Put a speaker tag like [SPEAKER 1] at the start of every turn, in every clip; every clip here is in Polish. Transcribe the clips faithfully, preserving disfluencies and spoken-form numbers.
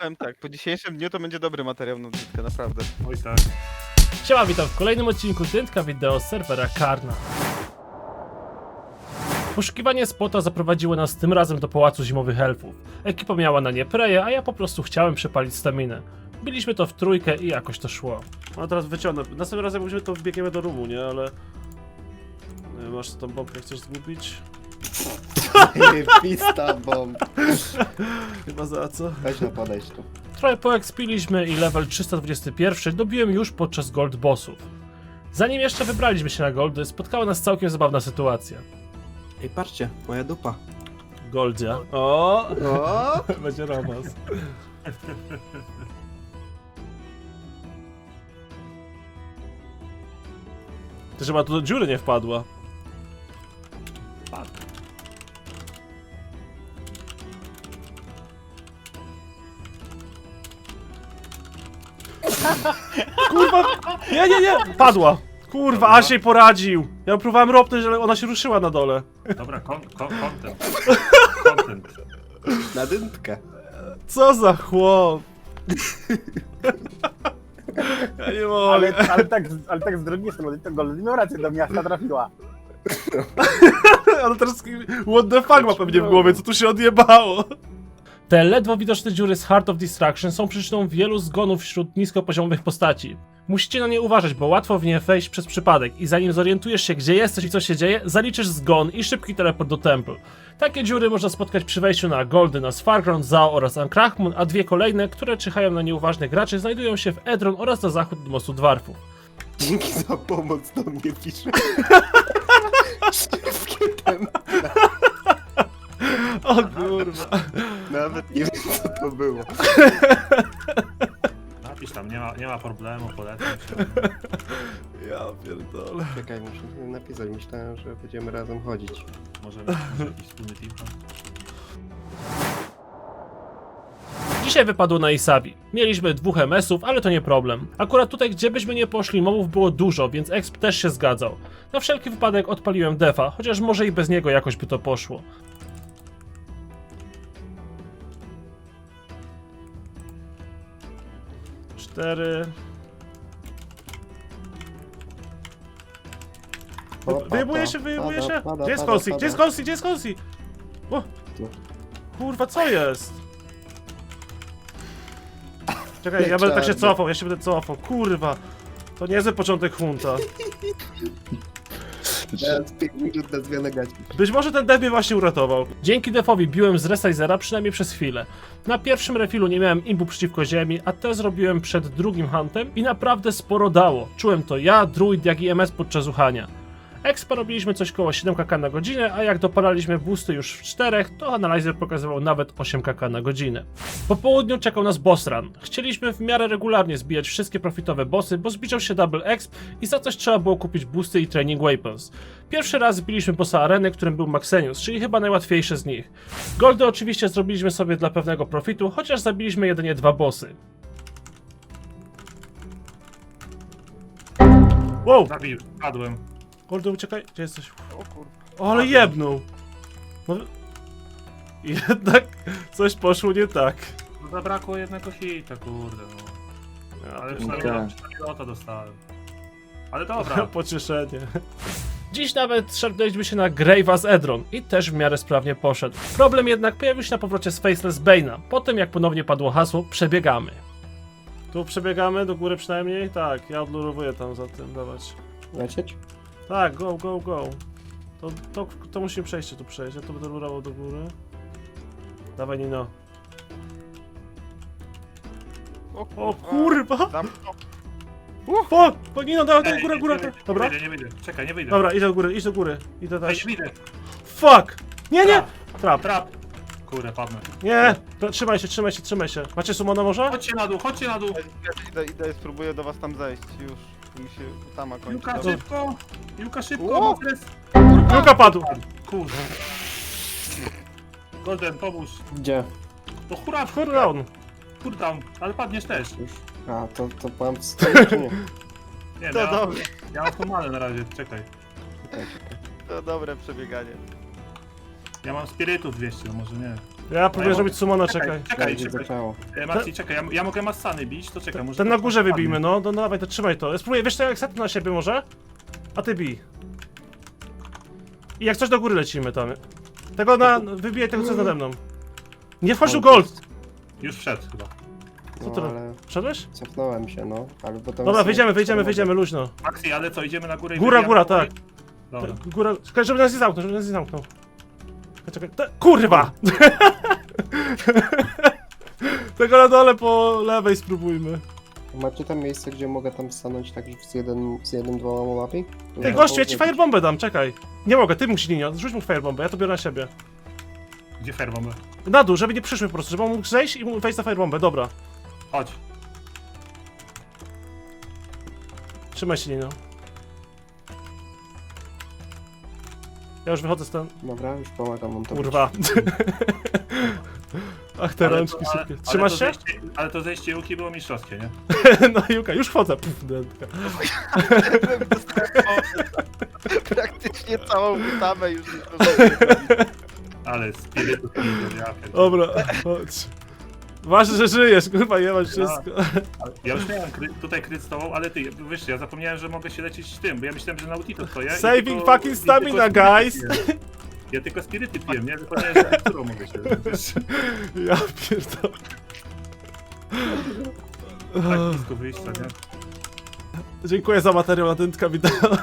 [SPEAKER 1] powiem tak, po dzisiejszym dniu to będzie dobry materiał na dytkę, naprawdę.
[SPEAKER 2] Oj tak.
[SPEAKER 3] Siema, witam w kolejnym odcinku Dyntka wideo z serwera Karna. Poszukiwanie spota zaprowadziło nas tym razem do Pałacu Zimowych Elfów. Ekipa miała na nie preję, a ja po prostu chciałem przepalić staminę. Biliśmy to w trójkę i jakoś to szło.
[SPEAKER 2] No teraz wyciągnę. Następnym razem musimy to wbiegniemy do rumu, nie? Ale... Nie, masz tą bombkę, chcesz zgubić?
[SPEAKER 4] Pista bomb.
[SPEAKER 2] Chyba za co?
[SPEAKER 4] Weź no podejść tu.
[SPEAKER 3] Trochę poekspiliśmy i level trzysta dwadzieścia jeden dobiłem już podczas gold bossów. Zanim jeszcze wybraliśmy się na goldy, spotkała nas całkiem zabawna sytuacja.
[SPEAKER 4] Ej, patrzcie, moja dupa.
[SPEAKER 3] Goldzia. O!
[SPEAKER 4] O!
[SPEAKER 3] Będzie romans.
[SPEAKER 2] To chyba tu do dziury nie wpadła.
[SPEAKER 3] Fuck.
[SPEAKER 2] Kurwa! Nie, nie, nie! Padła! Kurwa, aż jej poradził! Ja próbowałem ropnąć, ale ona się ruszyła na dole.
[SPEAKER 5] Dobra, kon, kon, content. Content.
[SPEAKER 4] Na dętkę.
[SPEAKER 2] Co za chłop! Ja nie mogę.
[SPEAKER 6] Ale, ale, tak, ale tak z drugiej strony, to Goldino rację do miasta trafiła.
[SPEAKER 2] Ale teraz what the fuck ma pewnie w głowie, co tu się odjebało?
[SPEAKER 3] Te ledwo widoczne dziury z Heart of Destruction są przyczyną wielu zgonów wśród niskopoziomowych postaci. Musicie na nie uważać, bo łatwo w nie wejść przez przypadek i zanim zorientujesz się, gdzie jesteś i co się dzieje, zaliczysz zgon i szybki teleport do Temple. Takie dziury można spotkać przy wejściu na Goldy, na Svargrond, Zao oraz Ankrachmun, a dwie kolejne, które czyhają na nieuważnych graczy, znajdują się w Edron oraz na zachód od mostu Dwarfów.
[SPEAKER 4] Dzięki za pomoc, do mnie pisze. Wszystkie temple.
[SPEAKER 2] O kurwa.
[SPEAKER 4] Nawet nie wiem, co to było.
[SPEAKER 5] Napisz tam, nie ma, nie ma problemu, polecam się.
[SPEAKER 2] Ja pierdolę.
[SPEAKER 4] Czekaj, muszę napisać. Myślałem, że będziemy razem chodzić.
[SPEAKER 5] Może, może jakiś wspólny team tam?
[SPEAKER 3] Dzisiaj wypadło na Isabi. Mieliśmy dwóch em esów, ale to nie problem. Akurat tutaj, gdzie byśmy nie poszli, mobów było dużo, więc exp też się zgadzał. Na wszelki wypadek odpaliłem defa, chociaż może i bez niego jakoś by to poszło.
[SPEAKER 2] Cztery.
[SPEAKER 4] Pada,
[SPEAKER 2] Wyjebuje się, wyjebuje
[SPEAKER 4] pada,
[SPEAKER 2] się!
[SPEAKER 4] pada,
[SPEAKER 2] Gdzie jest
[SPEAKER 4] pada,
[SPEAKER 2] Kolsi?
[SPEAKER 4] pada.
[SPEAKER 2] Gdzie jest Kolsi? Gdzie jest Kolsi? O!
[SPEAKER 4] Tu.
[SPEAKER 2] Kurwa, co jest? Czekaj, ja będę tak się
[SPEAKER 4] Czarny.
[SPEAKER 2] cofał, ja się będę cofał. Kurwa! To niezły początek hunta.
[SPEAKER 4] Teraz pięć minut na zmianę gaci.
[SPEAKER 2] Być może ten dev mnie właśnie uratował.
[SPEAKER 3] Dzięki defowi biłem z resizera przynajmniej przez chwilę. Na pierwszym refilu nie miałem imbu przeciwko ziemi, a te zrobiłem przed drugim huntem i naprawdę sporo dało. Czułem to ja, druid, jak i em es podczas uchania. Expa robiliśmy coś koło siedem kaka na godzinę, a jak dopalaliśmy boosty już w czterech, to Analyzer pokazywał nawet osiem kaka na godzinę. Po południu czekał nas boss run. Chcieliśmy w miarę regularnie zbijać wszystkie profitowe bossy, bo zbliżał się double exp i za coś trzeba było kupić boosty i training weapons. Pierwszy raz zbiliśmy bossa areny, którym był Maxenius, czyli chyba najłatwiejszy z nich. Goldy oczywiście zrobiliśmy sobie dla pewnego profitu, chociaż zabiliśmy jedynie dwa bossy.
[SPEAKER 2] Wow!
[SPEAKER 5] Zabił, padłem.
[SPEAKER 2] Goldy, uciekaj. Gdzie jesteś?
[SPEAKER 1] O kurwa.
[SPEAKER 2] O, ale jebnął! No... Jednak coś poszło nie tak.
[SPEAKER 5] No zabrakło jednego hita, kurde no.
[SPEAKER 2] Ja
[SPEAKER 5] Ale
[SPEAKER 2] pierdolę.
[SPEAKER 5] przynajmniej, przynajmniej lota dostałem. Ale dobra.
[SPEAKER 2] Pocieszenie.
[SPEAKER 3] Dziś nawet szarpnęliśmy się na Grave'a z Edron i też w miarę sprawnie poszedł. Problem jednak pojawił się na powrocie z Faceless Bane'a, po tym jak ponownie padło hasło przebiegamy.
[SPEAKER 2] Tu przebiegamy do góry przynajmniej? Tak, ja odlurowuję tam za tym, dawać.
[SPEAKER 4] Lecieć?
[SPEAKER 2] Tak, go, go, go. To, to, to musimy przejść, tu przejść, ja to będę lurował do góry. Dawaj Nino.
[SPEAKER 1] O
[SPEAKER 2] O kurwa!
[SPEAKER 1] Zamknął.
[SPEAKER 2] Fuck! O, Nino, dawaj, dawaj,
[SPEAKER 5] Ej,
[SPEAKER 2] góra,
[SPEAKER 5] nie
[SPEAKER 2] góra.
[SPEAKER 5] wyjdę,
[SPEAKER 2] Dobra,
[SPEAKER 5] Nie wyjdę, nie wyjdę. Czekaj, nie wyjdę.
[SPEAKER 2] dobra, idź do góry, idź do góry. Idę
[SPEAKER 5] Ej,
[SPEAKER 2] też.
[SPEAKER 5] nie wyjdę.
[SPEAKER 2] Fuck! Nie, nie! Trap.
[SPEAKER 5] Trap. Kurde, padnę.
[SPEAKER 2] Nie! To, trzymaj się, trzymaj się, trzymaj się. Macie sumona może?
[SPEAKER 5] Chodźcie na dół, chodźcie na dół.
[SPEAKER 1] Idę, idę, spróbuję do was tam zejść już. Mi się tama kończy.
[SPEAKER 5] Juka,
[SPEAKER 1] Dobra.
[SPEAKER 5] szybko. Juka, szybko.
[SPEAKER 1] O!
[SPEAKER 5] bo jest-
[SPEAKER 2] Luka padł!
[SPEAKER 5] Kurde. Golden, pomóż.
[SPEAKER 4] Gdzie?
[SPEAKER 5] To hura,
[SPEAKER 2] Cooldown.
[SPEAKER 5] cooldown, ale padniesz też.
[SPEAKER 4] Już? A, to, to mam w stanie, czy nie?
[SPEAKER 5] Nie,
[SPEAKER 1] To
[SPEAKER 5] ja,
[SPEAKER 1] dobre,
[SPEAKER 5] ja mam tu manę na razie, czekaj.
[SPEAKER 4] Czekaj, czekaj.
[SPEAKER 1] to dobre przebieganie.
[SPEAKER 5] Ja mam spirytów dwieście, no może nie.
[SPEAKER 2] Ja próbuję
[SPEAKER 5] ja
[SPEAKER 2] zrobić
[SPEAKER 5] mogę-
[SPEAKER 2] sumona,
[SPEAKER 5] Czekaj,
[SPEAKER 2] czekaj.
[SPEAKER 5] czekaj,
[SPEAKER 4] Będzie
[SPEAKER 5] czekaj.
[SPEAKER 4] zaczęło.
[SPEAKER 5] E, Maxi, czekaj, ja, ja mogę Massany bić, to czekaj, może...
[SPEAKER 2] Ten na
[SPEAKER 5] to
[SPEAKER 2] górze
[SPEAKER 5] spadnie.
[SPEAKER 2] wybijmy, no, no, no dawaj, to trzymaj to. Ja spróbuję, wiesz co, jak set na siebie może? A ty bij. I jak coś do góry lecimy tam. Tego na, wybijaj tego co jest nade mną. Nie wchodź tu gold!
[SPEAKER 5] Już wszedł chyba.
[SPEAKER 2] Co
[SPEAKER 4] No
[SPEAKER 2] ty
[SPEAKER 4] ale
[SPEAKER 2] Wszedłeś?
[SPEAKER 4] cofnąłem się, no. Ale potem
[SPEAKER 2] Dobra,
[SPEAKER 4] są-
[SPEAKER 2] wyjdziemy, wyjdziemy,
[SPEAKER 4] są-
[SPEAKER 2] wyjdziemy, luźno.
[SPEAKER 5] Maxi, ale co, idziemy na górę i
[SPEAKER 2] Góra,
[SPEAKER 5] wybijamy
[SPEAKER 2] góra,
[SPEAKER 5] do góry?
[SPEAKER 2] tak.
[SPEAKER 5] Dobra.
[SPEAKER 2] Góra, czekaj, żeby nas nie zamknął, żeby nas nie zamknął. Czekaj, czekaj, te, kurwa! Tego na dole po lewej spróbujmy.
[SPEAKER 4] Macie tam miejsce, gdzie mogę tam stanąć tak z, jeden, z jednym, dwoma łapami?
[SPEAKER 2] Ty gościu, ja ci firebombę dam, czekaj. Nie mogę, ty musisz linio, rzuć mu firebombę, ja to biorę na siebie.
[SPEAKER 5] Gdzie ferwam?
[SPEAKER 2] Na dół, żeby nie przyszły po prostu, żeby on mógł zejść i mógł wejść na firebombę, dobra.
[SPEAKER 5] Chodź.
[SPEAKER 2] Trzymaj się linio. Ja już wychodzę stąd.
[SPEAKER 4] Dobra, już pomagam wam to.
[SPEAKER 2] Kurwa. Ach, te
[SPEAKER 5] Ale
[SPEAKER 2] rączki
[SPEAKER 5] to- ale-
[SPEAKER 2] szybkie.
[SPEAKER 5] ale
[SPEAKER 2] Trzymasz
[SPEAKER 5] to
[SPEAKER 2] się?
[SPEAKER 5] zejście- Ale to zejście Juki było mistrzowskie, nie?
[SPEAKER 2] No Juka, już wchodzę. Puf, dętka.
[SPEAKER 1] Praktycznie całą butamę już nie zdążyłem.
[SPEAKER 5] Ale spirytus Ninja, ja pierdolę.
[SPEAKER 2] Dobra, chodź. Ważne, że żyjesz, kurwa, nie masz wszystko.
[SPEAKER 5] Ja już miałem kry, tutaj kryt z tobą, ale ty, wiesz, ja zapomniałem, że mogę się lecieć tym, bo ja myślałem, że na Utito stoję. i
[SPEAKER 2] Saving
[SPEAKER 5] tylko-
[SPEAKER 2] fucking
[SPEAKER 5] i
[SPEAKER 2] stamina,
[SPEAKER 5] tylko spiryty
[SPEAKER 2] guys.
[SPEAKER 5] piłem. Ja tylko spiryty piłem, nie? Zapomniałem, że którą mogę się wiesz,
[SPEAKER 2] Ja pierdolę.
[SPEAKER 5] tak blisko wyjścia, nie?
[SPEAKER 2] Dziękuję za materiał na dętka wideo.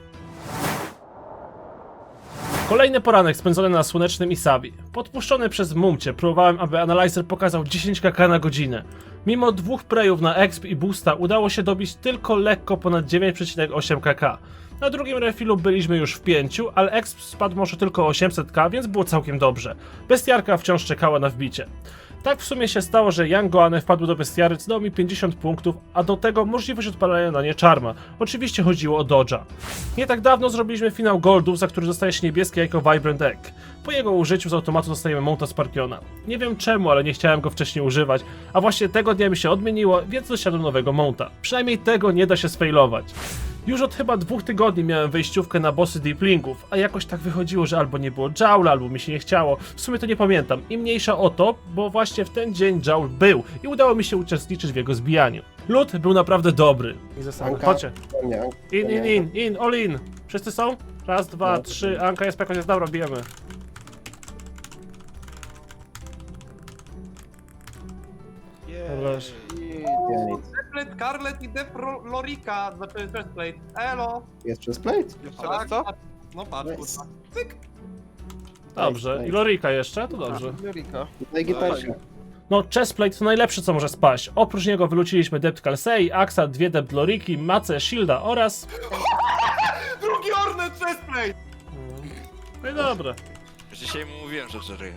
[SPEAKER 3] Kolejny poranek spędzony na słonecznym Isabi. Podpuszczony przez Mumcie, próbowałem, aby Analyzer pokazał dziesięć kaka na godzinę. Mimo dwóch prejów na exp i boosta udało się dobić tylko lekko ponad dziewięć przecinek osiem kaka. Na drugim refilu byliśmy już w pięciu, ale exp spadł może tylko o osiemset ka, więc było całkiem dobrze. Bestiarka wciąż czekała na wbicie. Tak w sumie się stało, że Young Goane wpadł do bestiary, co dało mi pięćdziesiąt punktów, a do tego możliwość odpalania na nie czarma. Oczywiście chodziło o Dodge'a. Nie tak dawno zrobiliśmy finał Goldów, za który dostaje się niebieskie jajko Vibrant Egg. Po jego użyciu z automatu dostajemy Mounta Sparkiona. Nie wiem czemu, ale nie chciałem go wcześniej używać, a właśnie tego dnia mi się odmieniło, więc dosiadłem nowego Mounta. Przynajmniej tego nie da się sfailować. Już od chyba dwóch tygodni miałem wejściówkę na bossy Deeplingów, a jakoś tak wychodziło, że albo nie było Jowla, albo mi się nie chciało. W sumie to nie pamiętam. I mniejsza o to, bo właśnie w ten dzień Jowl był i udało mi się uczestniczyć w jego zbijaniu. Lód był naprawdę dobry. I zasady.
[SPEAKER 4] Anka?
[SPEAKER 2] Chodźcie.
[SPEAKER 4] Nie,
[SPEAKER 2] In, in, in, in, all in. Wszyscy są? Raz, dwa,
[SPEAKER 4] No,
[SPEAKER 2] trzy. Anka jest jakoś jest dobra, bijemy. Dobra.
[SPEAKER 4] nie, nic.
[SPEAKER 7] Chestplate, Scarlet i Def Ro- Lorika, znaczy Chestplate. Elo!
[SPEAKER 4] Jest przez plate?
[SPEAKER 1] Jeszcze raz co?
[SPEAKER 7] patrz. No patrz,
[SPEAKER 4] Nice.
[SPEAKER 7] kurwa. Cyk!
[SPEAKER 2] Dobrze. I Lorika jeszcze? To dobrze.
[SPEAKER 1] Jurika.
[SPEAKER 4] Na gitarze.
[SPEAKER 3] No, chestplate to najlepsze co może spaść. Oprócz niego wyluciliśmy Dept Kalsei, Axa, dwie Dept Loriki, Macę, Shielda oraz...
[SPEAKER 7] Drugi Ornet Chestplate!
[SPEAKER 2] No i dobra.
[SPEAKER 8] Dzisiaj mu mówiłem, że żeruję.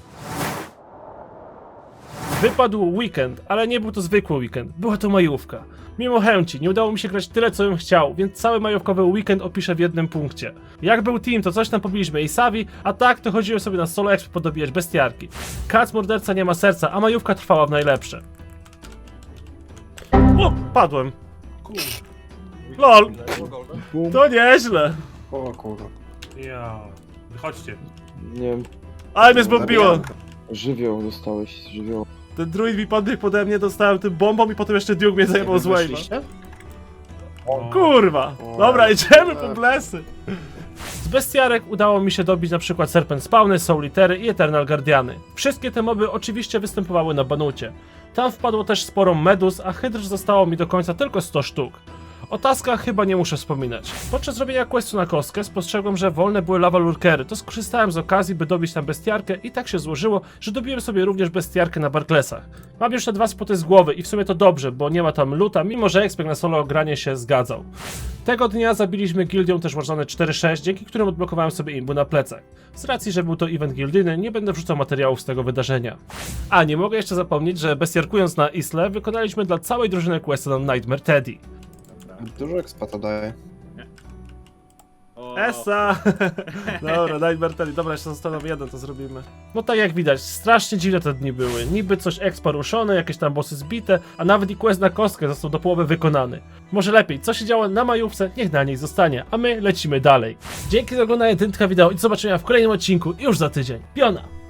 [SPEAKER 3] Wypadł weekend, ale nie był to zwykły weekend, była to majówka. Mimo chęci, nie udało mi się grać tyle co bym chciał, więc cały majówkowy weekend opiszę w jednym punkcie. Jak był team, to coś tam pobiliśmy Isavi, a tak to chodziłem sobie na solo exp podobijać bestiarki. Kac morderca nie ma serca, a majówka trwała w najlepsze. O, padłem. Lol, to nieźle.
[SPEAKER 4] O kurwa.
[SPEAKER 5] Ja... Wychodźcie.
[SPEAKER 9] Nie wiem,
[SPEAKER 2] Ale mnie zbombiło.
[SPEAKER 9] żywioł dostałeś, żywioł.
[SPEAKER 2] Ten druid mi podbiegł pode mnie, dostałem tym bombą i potem jeszcze Duke mnie zajebał z wave'a.
[SPEAKER 4] Weszliście?
[SPEAKER 2] Kurwa.
[SPEAKER 4] O,
[SPEAKER 2] Dobra, idziemy po blesy.
[SPEAKER 3] Z bestiarek udało mi się dobić na przykład Serpent Spawny, Soulitery i Eternal Guardiany. Wszystkie te moby oczywiście występowały na banucie. Tam wpadło też sporo meduz, a hydr zostało mi do końca tylko sto sztuk. O taskach chyba nie muszę wspominać. Podczas robienia questu na kostkę spostrzegłem, że wolne były lava lurkery, to skorzystałem z okazji, by dobić tam bestiarkę i tak się złożyło, że dobiłem sobie również bestiarkę na Barklesach. Mam już te dwa spoty z głowy i w sumie to dobrze, bo nie ma tam luta, mimo że ekspek na solo granie się zgadzał. Tego dnia zabiliśmy gildią też Warzone cztery sześć, dzięki którym odblokowałem sobie imbu na plecach. Z racji, że był to event gildyjny, nie będę wrzucał materiałów z tego wydarzenia. A, nie mogę jeszcze zapomnieć, że bestiarkując na Isle, wykonaliśmy dla całej drużyny questa na Nightmare Teddy.
[SPEAKER 4] Dużo expa to daje.
[SPEAKER 2] Esa! Dobra, Nightmare Teddy. Dobra, jeszcze zostaną jeden, to zrobimy.
[SPEAKER 3] No tak jak widać, strasznie dziwne te dni były. Niby coś expa ruszone, jakieś tam bossy zbite, a nawet i quest na kostkę został do połowy wykonany. Może lepiej, co się działo na majówce, niech na niej zostanie, a my lecimy dalej. Dzięki za oglądanie Dętka wideo i do zobaczenia w kolejnym odcinku już za tydzień. Piona!